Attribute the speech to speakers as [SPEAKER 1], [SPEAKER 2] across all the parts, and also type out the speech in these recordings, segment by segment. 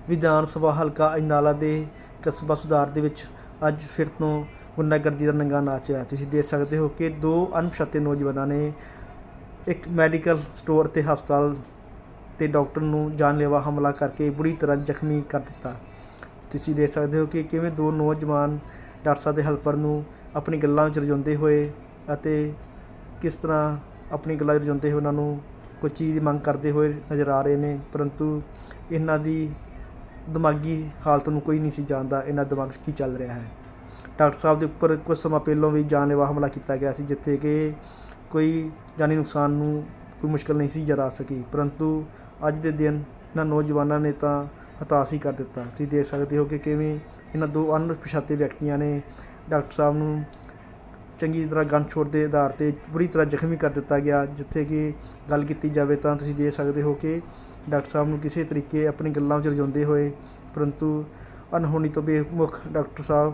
[SPEAKER 1] ਵਿਧਾਨ ਸਭਾ ਹਲਕਾ ਅਜਨਾਲਾ ਦੇ ਕਸਬਾ ਸੁਧਾਰ ਦੇ ਵਿੱਚ ਅੱਜ ਫਿਰ ਤੋਂ ਗੁੰਡਾਗਰਦੀ ਦਾ ਨੰਗਾ ਨਾਚ ਹੋਇਆ। ਤੁਸੀਂ ਦੇਖ ਸਕਦੇ ਹੋ ਕਿ ਦੋ ਅਣਪਛਾਤੇ ਨੌਜਵਾਨਾਂ ਨੇ ਇੱਕ ਮੈਡੀਕਲ ਸਟੋਰ ਅਤੇ ਹਸਪਤਾਲ ਤੇ ਡਾਕਟਰ ਨੂੰ ਜਾਨਲੇਵਾ ਹਮਲਾ ਕਰਕੇ ਬੁਰੀ ਤਰ੍ਹਾਂ ਜ਼ਖਮੀ ਕਰ ਦਿੱਤਾ। ਤੁਸੀਂ ਦੇਖ ਸਕਦੇ ਹੋ ਕਿ ਕਿਵੇਂ ਦੋ ਨੌਜਵਾਨ ਡਾਕਟਰ ਸਾਹਿਬ ਦੇ ਹੈਲਪਰ ਨੂੰ ਆਪਣੀ ਗੱਲਾਂ ਵਿੱਚ ਰਜਾਉਂਦੇ ਹੋਏ ਅਤੇ ਕਿਸ ਤਰ੍ਹਾਂ ਆਪਣੀ ਗੱਲਾਂ ਵਿੱਚ ਰਜਾਉਂਦੇ ਹੋਏ ਉਹਨਾਂ ਨੂੰ ਕੋਈ ਚੀਜ਼ ਦੀ ਮੰਗ ਕਰਦੇ ਹੋਏ ਨਜ਼ਰ ਆ ਰਹੇ ਨੇ, ਪਰੰਤੂ ਇਹਨਾਂ ਦੀ ਦਿਮਾਗੀ ਹਾਲਤ ਨੂੰ ਕੋਈ ਨਹੀਂ ਸੀ ਜਾਣਦਾ ਇਹਨਾਂ ਦਿਮਾਗ 'ਚ ਕੀ ਚੱਲ ਰਿਹਾ ਹੈ। ਡਾਕਟਰ ਸਾਹਿਬ ਦੇ ਉੱਪਰ ਕੁਝ ਸਮਾਂ ਪਹਿਲਾਂ ਵੀ ਜਾਨਲੇਵਾ ਹਮਲਾ ਕੀਤਾ ਗਿਆ ਸੀ, ਜਿੱਥੇ ਕਿ ਕੋਈ ਜਾਨੀ ਨੁਕਸਾਨ ਨੂੰ ਕੋਈ ਮੁਸ਼ਕਿਲ ਨਹੀਂ ਸੀ ਜਰਾ ਸਕੀ, ਪਰੰਤੂ ਅੱਜ ਦੇ ਦਿਨ ਇਹਨਾਂ ਨੌਜਵਾਨਾਂ ਨੇ ਤਾਂ ਹਤਾਸ਼ ਹੀ ਕਰ ਦਿੱਤਾ। ਤੁਸੀਂ ਦੇਖ ਸਕਦੇ ਹੋ ਕਿ ਕਿਵੇਂ ਇਹਨਾਂ ਦੋ ਅਣਪਛਾਤੇ ਵਿਅਕਤੀਆਂ ਨੇ ਡਾਕਟਰ ਸਾਹਿਬ ਨੂੰ ਚੰਗੀ ਤਰ੍ਹਾਂ ਗਨ ਛੋੜ ਦੇ ਆਧਾਰ 'ਤੇ ਬੁਰੀ ਤਰ੍ਹਾਂ ਜ਼ਖਮੀ ਕਰ ਦਿੱਤਾ ਗਿਆ। ਜਿੱਥੇ ਕਿ ਗੱਲ ਕੀਤੀ ਜਾਵੇ ਤਾਂ ਤੁਸੀਂ ਦੇਖ ਸਕਦੇ ਹੋ ਕਿ ਡਾਕਟਰ ਸਾਹਿਬ ਨੂੰ ਕਿਸੇ ਤਰੀਕੇ ਆਪਣੀ ਗੱਲਾਂ ਵਿੱਚ ਰਜਾਉਂਦੇ ਹੋਏ, ਪਰੰਤੂ ਅਣਹੋਣੀ ਤੋਂ ਬੇਮੁੱਖ ਡਾਕਟਰ ਸਾਹਿਬ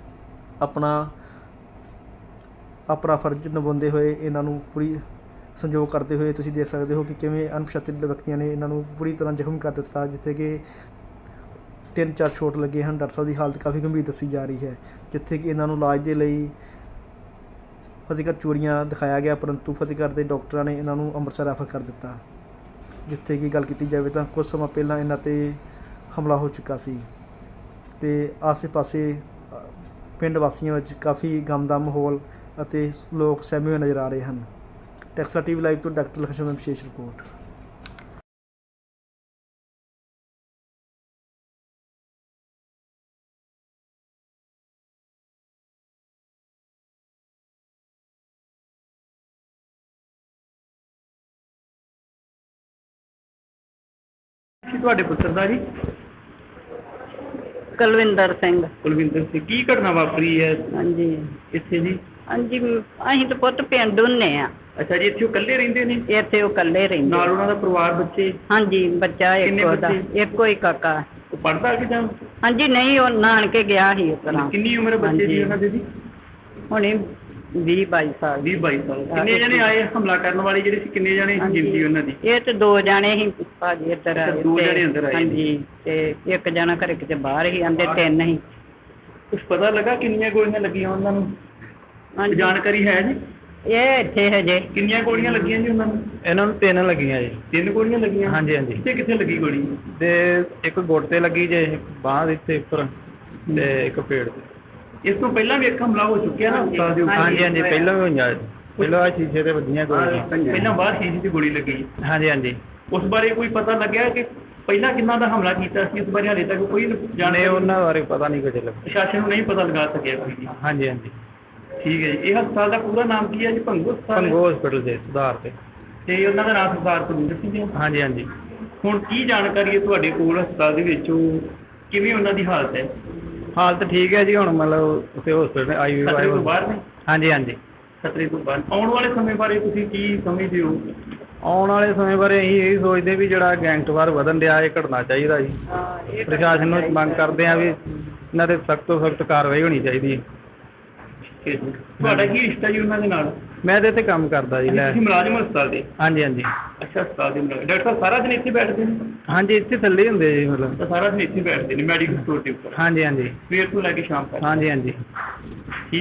[SPEAKER 1] ਆਪਣਾ ਫਰਜ਼ ਨਿਭਾਉਂਦੇ ਹੋਏ ਇਹਨਾਂ ਨੂੰ ਪੂਰੀ ਸੰਯੋਗ ਕਰਦੇ ਹੋਏ ਤੁਸੀਂ ਦੇਖ ਸਕਦੇ ਹੋ ਕਿ ਕਿਵੇਂ ਅਣਪਛਾਤੇ ਵਿਅਕਤੀਆਂ ਨੇ ਇਹਨਾਂ ਨੂੰ ਬੁਰੀ ਤਰ੍ਹਾਂ ਜ਼ਖਮੀ ਕਰ ਦਿੱਤਾ, ਜਿੱਥੇ ਕਿ 3-4 ਚੋਟ ਲੱਗੇ ਹਨ। ਡਾਕਟਰ ਸਾਹਿਬ ਦੀ ਹਾਲਤ ਕਾਫੀ ਗੰਭੀਰ ਦੱਸੀ ਜਾ ਰਹੀ ਹੈ, ਜਿੱਥੇ ਕਿ ਇਹਨਾਂ ਨੂੰ ਇਲਾਜ ਦੇ ਲਈ ਫਤਿਹਗੜ੍ਹ ਚੂੜੀਆਂ ਦਿਖਾਇਆ ਗਿਆ, ਪਰੰਤੂ ਫਤਿਹਗੜ੍ਹ ਦੇ ਡਾਕਟਰਾਂ ਨੇ ਇਹਨਾਂ ਨੂੰ ਅੰਮ੍ਰਿਤਸਰ ਰੈਫਰ ਕਰ ਦਿੱਤਾ। ਜਿੱਥੇ ਕਿ ਗੱਲ ਕੀਤੀ ਜਾਵੇ ਤਾਂ ਕੁਝ ਸਮਾਂ ਪਹਿਲਾਂ ਇਹਨਾਂ 'ਤੇ ਹਮਲਾ ਹੋ ਚੁੱਕਾ ਸੀ ਅਤੇ ਆਸੇ-ਪਾਸੇ ਪਿੰਡ ਵਾਸੀਆਂ ਵਿੱਚ ਕਾਫੀ ਗਮ ਦਾ ਮਾਹੌਲ ਅਤੇ ਲੋਕ ਸਹਿਮੇ ਹੋਏ ਨਜ਼ਰ ਆ ਰਹੇ ਹਨ। ਟੈਕਸਾ TV ਲਾਈਵ ਤੋਂ ਡਾਕਟਰ ਲਖਸ਼ਮਣ ਵਿਸ਼ੇਸ਼ ਰਿਪੋਰਟ।
[SPEAKER 2] ਤੁਹਾਡੇ ਪੁੱਤਰ ਦਾ ਜੀ?
[SPEAKER 3] ਕੁਲਵਿੰਦਰ ਸਿੰਘ।
[SPEAKER 2] ਕੁਲਵਿੰਦਰ ਸਿੰਘ। ਕੀ ਘਟਨਾ ਵਾਪਰੀ ਹੈ
[SPEAKER 3] ਹਾਂਜੀ
[SPEAKER 2] ਇੱਥੇ ਜੀ?
[SPEAKER 3] ਹਾਂਜੀ, ਅਸੀਂ ਤਾਂ ਪੁੱਤ ਪਿੰਡ ਹੁੰਦੇ ਆ।
[SPEAKER 2] ਅੱਛਾ ਜੀ, ਇੱਥੇ ਉਹ ਇਕੱਲੇ ਰਹਿੰਦੇ ਨੇ?
[SPEAKER 3] ਇੱਥੇ ਉਹ ਇਕੱਲੇ ਰਹਿੰਦੇ।
[SPEAKER 2] ਨਾਲ ਉਹਨਾਂ ਦਾ ਪਰਿਵਾਰ, ਬੱਚੇ?
[SPEAKER 3] ਹਾਂਜੀ, ਬੱਚਾ
[SPEAKER 2] ਕਿੰਨੇ
[SPEAKER 3] ਇੱਕ ਉਹਦਾ,
[SPEAKER 2] ਬੱਚੇ?
[SPEAKER 3] ਇੱਕੋ ਹੀ ਕਾਕਾ।
[SPEAKER 2] ਉਹ ਪੜ੍ਹਦਾ ਕਿ ਜਾਂ?
[SPEAKER 3] ਹਾਂਜੀ, ਨਹੀਂ ਉਹ ਨਾਨਕੇ ਗਿਆ ਸੀ ਉਸ ਤਰ੍ਹਾਂ।
[SPEAKER 2] ਕਿੰਨੀ ਉਮਰ ਹੈ ਬੱਚੇ ਦੀ ਉਹਨਾਂ ਦੇ ਜੀ?
[SPEAKER 3] ਹੁਣੇ 20-22 ਸਾਲ।
[SPEAKER 2] 20-22 ਸਾਲ। ਕਿੰਨੇ ਜਣੇ ਆਏ ਹਮਲਾ ਕਰਨ ਵਾਲੇ ਜਿਹੜੇ ਸੀ? ਕਿੰਨੇ ਜਣੇ ਗਿਣਤੀ ਉਹਨਾਂ ਦੀ?
[SPEAKER 3] ਇਹ ਤੇ 2 ਜਣੇ ਸੀ ਭਾਜੀ ਇੱਧਰ ਆਏ।
[SPEAKER 2] 2 ਜਣੇ ਅੰਦਰ ਆਏ?
[SPEAKER 3] ਹਾਂਜੀ, ਤੇ ਇੱਕ ਜਣਾ ਘਰੇ ਕਿਤੇ ਬਾਹਰ ਸੀ, ਆਂਦੇ 3 ਸੀ।
[SPEAKER 2] ਕੁਛ ਪਤਾ ਲੱਗਾ ਕਿੰਨੀਆਂ ਗੋਲੀਆਂ ਲੱਗੀਆਂ ਉਹਨਾਂ ਨੂੰ?
[SPEAKER 3] ਹਾਂਜੀ,
[SPEAKER 2] ਜਾਣਕਾਰੀ ਹੈ ਜੀ?
[SPEAKER 3] ਇਹ ਇੱਥੇ ਹਜੇ।
[SPEAKER 2] ਕਿੰਨੀਆਂ ਗੋਲੀਆਂ ਲੱਗੀਆਂ ਜੀ ਉਹਨਾਂ ਨੂੰ?
[SPEAKER 4] ਇਹਨਾਂ ਨੂੰ 3 ਲੱਗੀਆਂ ਜੀ।
[SPEAKER 2] 3 ਗੋਲੀਆਂ ਲੱਗੀਆਂ?
[SPEAKER 4] ਹਾਂਜੀ ਹਾਂਜੀ।
[SPEAKER 2] ਕਿੱਥੇ ਲੱਗੀ ਗੋਲੀ?
[SPEAKER 4] ਤੇ ਇੱਕ ਗੁੱਟ ਤੇ ਲੱਗੀ ਜੇ, ਬਾਂਹ ਦੇ ਇੱਥੇ ਉੱਪਰ, ਤੇ ਇੱਕ ਪੇਟ ਤੇ।
[SPEAKER 2] ਇਸ ਤੋਂ ਪਹਿਲਾਂ ਵੀ ਇੱਕ ਹਮਲਾ ਹੋ ਚੁੱਕਿਆ ਨਾ ਹਸਪਤਾਲ ਦੇ ਉੱਪਰ?
[SPEAKER 4] ਹਾਂਜੀ ਹਾਂਜੀ, ਪਹਿਲਾਂ ਵੀ ਹੋਈਆਂ। ਪਹਿਲਾਂ ਆਹ ਸ਼ੀਸ਼ੇ ਤੇ ਵੱਜੀਆਂ ਗੋਲੀਆਂ।
[SPEAKER 2] ਪਹਿਲਾਂ ਬਾਹਰ ਸ਼ੀਸ਼ੇ 'ਚ ਗੋਲੀ ਲੱਗੀ?
[SPEAKER 4] ਹਾਂਜੀ ਹਾਂਜੀ।
[SPEAKER 2] ਉਸ ਬਾਰੇ ਕੋਈ ਪਤਾ ਲੱਗਿਆ ਕਿ ਪਹਿਲਾਂ ਕਿੰਨਾਂ ਦਾ ਹਮਲਾ ਕੀਤਾ ਸੀ? ਇਸ ਬਾਰੇ ਹਾਲੇ ਤੱਕ ਕੋਈ
[SPEAKER 4] ਜਾਣੇ ਉਹਨਾਂ ਬਾਰੇ ਪਤਾ ਨਹੀਂ ਕੁਝ ਲੱਗਾ।
[SPEAKER 2] ਪ੍ਰਸ਼ਾਸਨ ਨੂੰ ਨਹੀਂ ਪਤਾ ਲਗਾ ਸਕਿਆ ਕੋਈ ਜੀ?
[SPEAKER 4] ਹਾਂਜੀ ਹਾਂਜੀ।
[SPEAKER 2] ਠੀਕ ਹੈ ਜੀ। ਇਹ ਹਸਪਤਾਲ ਦਾ ਪੂਰਾ ਨਾਮ ਕੀ ਹੈ ਜੀ? ਭੰਗੂ ਹਸਪਤਾਲ?
[SPEAKER 4] ਭੰਗੂ ਹਸਪੀਟਲ ਦੇ ਸੁਧਾਰ ਤੇ।
[SPEAKER 2] ਤੇ ਉਹਨਾਂ ਦਾ ਨਾਮ ਸਰਦਾਰ ਕੁਲਵਿੰਦਰ ਸਿੰਘ ਜੀ?
[SPEAKER 4] ਹਾਂਜੀ ਹਾਂਜੀ।
[SPEAKER 2] ਹੁਣ ਕੀ ਜਾਣਕਾਰੀ ਹੈ ਤੁਹਾਡੇ ਕੋਲ ਹਸਪਤਾਲ ਦੇ ਵਿੱਚ? ਉਹ ਕਿਵੇਂ ਉਹਨਾਂ ਦੀ ਹਾਲਤ ਹੈ?
[SPEAKER 4] ਹਾਲਤ ਠੀਕ ਹੈ ਜੀ, ਹੁਣ ਮਤਲਬ ਉੱਥੇ ਹਸਪੀਟਲ
[SPEAKER 2] ਖਤਰੇ ਤੋਂ ਬਾਹਰ ਨੇ?
[SPEAKER 4] ਹਾਂਜੀ ਹਾਂਜੀ।
[SPEAKER 2] ਖਤਰੇ ਤੋਂ ਬਾਹਰ। ਆਉਣ ਵਾਲੇ ਸਮੇਂ ਬਾਰੇ ਤੁਸੀਂ ਕੀ ਸਮਝਦੇ ਹੋ?
[SPEAKER 4] ਆਉਣ ਵਾਲੇ ਸਮੇਂ ਬਾਰੇ ਅਸੀਂ ਇਹ ਸੋਚਦੇ ਵੀ ਜਿਹੜਾ ਗੈਂਗਸਟਰ ਵਧਣ ਡਿਆ, ਇਹ ਘਟਣਾ ਚਾਹੀਦਾ ਜੀ। ਪ੍ਰਸ਼ਾਸਨ ਨੂੰ ਮੰਗ ਕਰਦੇ ਆ ਵੀ ਇਹਨਾਂ 'ਤੇ ਸਖਤ ਤੋਂ ਸਖਤ ਕਾਰਵਾਈ ਹੋਣੀ ਚਾਹੀਦੀ ਹੈ।
[SPEAKER 2] ਤੁਹਾਡਾ ਕੀ ਰਿਸ਼ਤਾ ਜੀ ਉਹਨਾਂ ਦੇ ਨਾਲ?
[SPEAKER 4] ਮੈਂ ਤਾਂ ਇੱਥੇ ਕੰਮ ਕਰਦਾ ਜੀ।
[SPEAKER 2] ਤੁਸੀਂ ਮੁਲਾਜ਼ਮ ਹਸਪਤਾਲ ਦੇ?
[SPEAKER 4] ਹਾਂਜੀ ਹਾਂਜੀ।
[SPEAKER 2] ਅੱਛਾ, ਹਸਪਤਾਲ ਦੇ ਮੁਲਾਜ਼ਮ। ਡਾਕਟਰ ਸਾਹਿਬ ਸਾਰਾ ਦਿਨ ਇੱਥੇ ਬੈਠਦੇ ਨੇ?
[SPEAKER 4] ਹਾਂਜੀ, ਇੱਥੇ ਥੱਲੇ ਹੀ ਹੁੰਦੇ ਜੀ ਮਤਲਬ।
[SPEAKER 2] ਤਾਂ ਸਾਰਾ ਦਿਨ ਇੱਥੇ ਬੈਠਦੇ ਨੇ ਮੈਡੀਕਲ ਸਟੋਰ ਦੇ ਉੱਪਰ?
[SPEAKER 4] ਹਾਂਜੀ ਹਾਂਜੀ।
[SPEAKER 2] ਸਵੇਰ ਤੋਂ ਲੈ ਕੇ ਸ਼ਾਮ ਤੱਕ?
[SPEAKER 4] ਹਾਂਜੀ ਹਾਂਜੀ।